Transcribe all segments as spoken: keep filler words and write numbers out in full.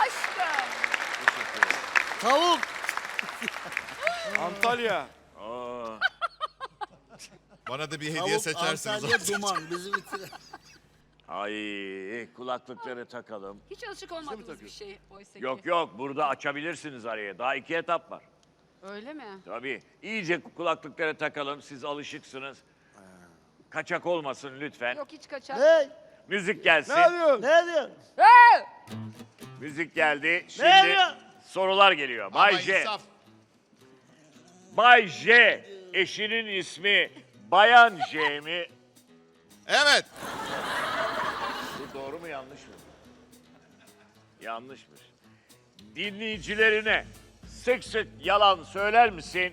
aşkım. Tavuk. Antalya. Aa, Bana da bir hediye Tavuk, seçersiniz. Antalya, duman. Bizi bitirir. ay kulaklıkları takalım. Hiç alışık olmadığımız bir şey oysa ki. Yok yok burada açabilirsiniz araya. Daha iki etap var. Öyle mi? Tabii. İyice kulaklıkları takalım. Siz alışıksınız. Kaçak olmasın lütfen. Yok hiç kaçak. Ne? Müzik gelsin. Ne diyorsun? Ne diyor? Hey! Müzik geldi. Ne Şimdi diyor? sorular geliyor. Bay Ama J. insaf. Bay J. Eşinin ismi Bayan J mi? Evet. Bu doğru mu yanlış mı? Yanlışmış. Dinleyicilerine sık sık yalan söyler misin?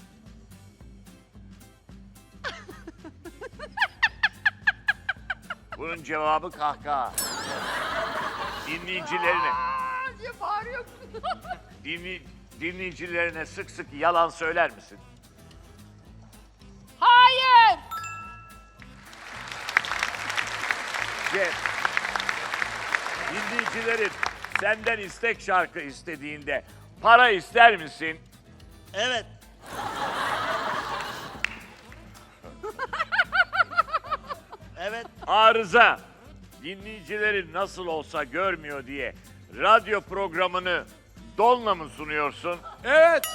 Bunun cevabı kahkaha. Dinleyicilerine, Aa, diye bağırıyor. dinli, dinleyicilerine sık sık yalan söyler misin? Hayır. Cem, dinleyicilerin senden istek şarkı istediğinde para ister misin? Evet. Evet. Arıza, dinleyicilerin nasıl olsa görmüyor diye radyo programını donla mı sunuyorsun? Evet.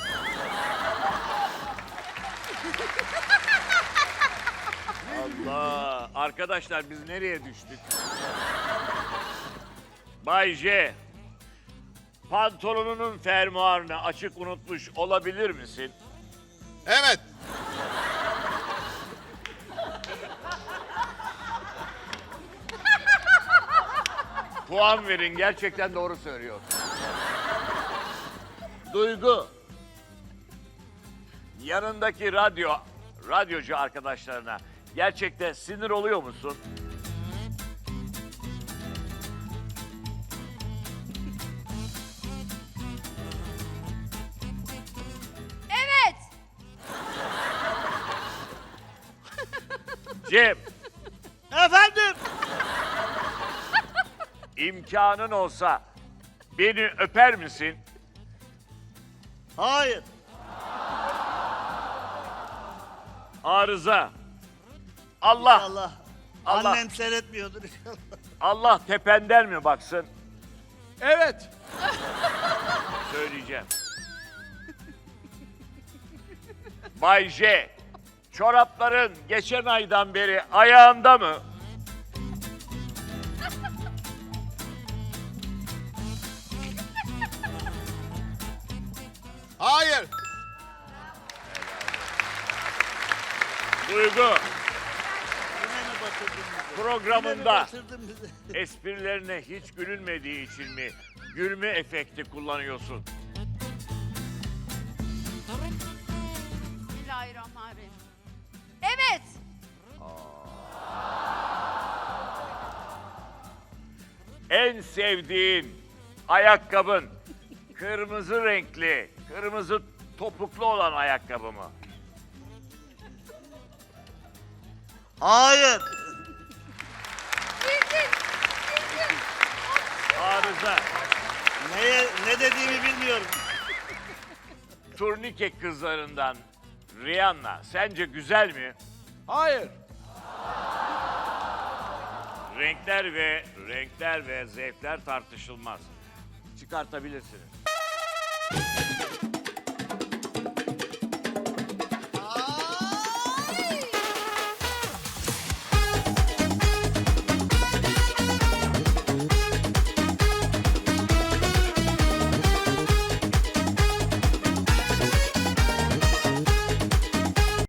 Allah! Arkadaşlar biz nereye düştük? Bay J, pantolonunun fermuarını açık unutmuş olabilir misin? Evet. Puan verin, gerçekten doğru söylüyor. Duygu, yanındaki radyo, radyocu arkadaşlarına gerçekten sinir oluyor musun? Evet. Cem, Efendim. imkanın olsa beni öper misin? Hayır. Arıza. Allah, Allah. Allah. Annem seyretmiyordur inşallah. Allah tependen mi baksın? Evet. Söyleyeceğim. Bay J, çorapların geçen aydan beri ayağında mı? Hayır. Duygu, Yine mi batırdın bizi? Yine mi programında batırdın bizi? esprilerine hiç gülünmediği için mi gülme efekti kullanıyorsun? Bismillahirrahmanirrahim. Evet. En sevdiğin ayakkabın kırmızı renkli, kırmızı topuklu olan ayakkabı mı? Hayır. Bildin. Arıza, Neye, ne dediğimi bilmiyorum. turnike kızlarından Rihanna sence güzel mi? Hayır. Renkler ve renkler ve zevkler tartışılmaz. Çıkartabilirsiniz.